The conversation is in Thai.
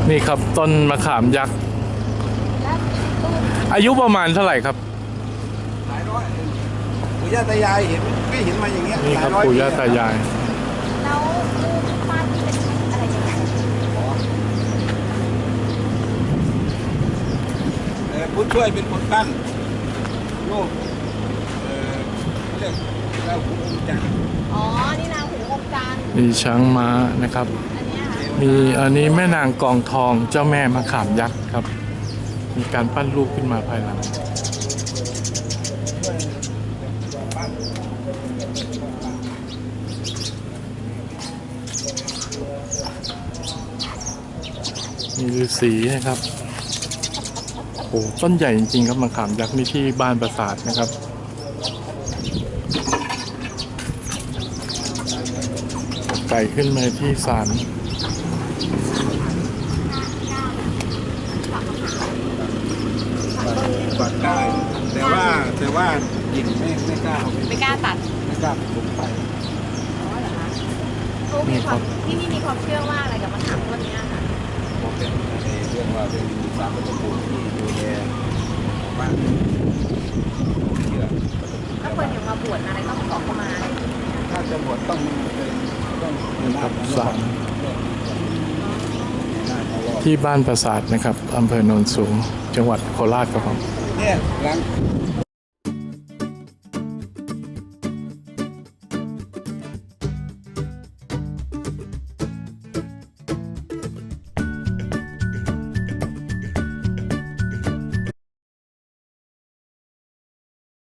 นี่ครับต้นมะขามยักษ์อายุประมาณเท่าไหร่ครับหลายร้อยปู่ย่าตายายเห็นไม่เห็นมาอย่างเงี้ยนี่ครับหลร้ปู่ย่าตายายแล้วรูปปั้นเป็นอะไรยังไงผู้ช่วยเป็นคนปั้นลูกเรียกแล้วหูองค์จันทร์อ๋อ นี่นางหูองค์จันทร์มีช้างม้านะครับอันเนี้ยค่ะมีอันนี้แม่นางกองทองเจ้าแม่มะขามยักษ์ครับ มีการปั้นรูปขึ้นมาภายหลังมีฤาษีนะครับโอ้ต้นใหญ่จริงๆครับมะขามยักษ์นี่ที่บ้านปราสาทนะครับไก่ขึ้นมาที่ศาลปัดได้แต่ว่าหญิงไม่กล้าเอาไปไม่กล้าตัดไม่กล้าปลูกไปอ๋อเหรอคะเขามีความที่นี่มีความเชื่อว่าอะไรกับมะขามต้นเนี้ยค่ะเพราะเป็นในเรื่องว่าเป็นสามประตูที่ดูแลบ้านเชื่อถ้าคนอย่างมาบวชอะไรต้องขอเข้ามาอะไรอย่างเงี้ยถ้าจะบวชต้องต้องนี่ครับศาลหน้าเขารอบที่บ้านปราสาทนะครับอำเภอโนนสูงจังหวัดโคราชครับผมเนี่ยหลัง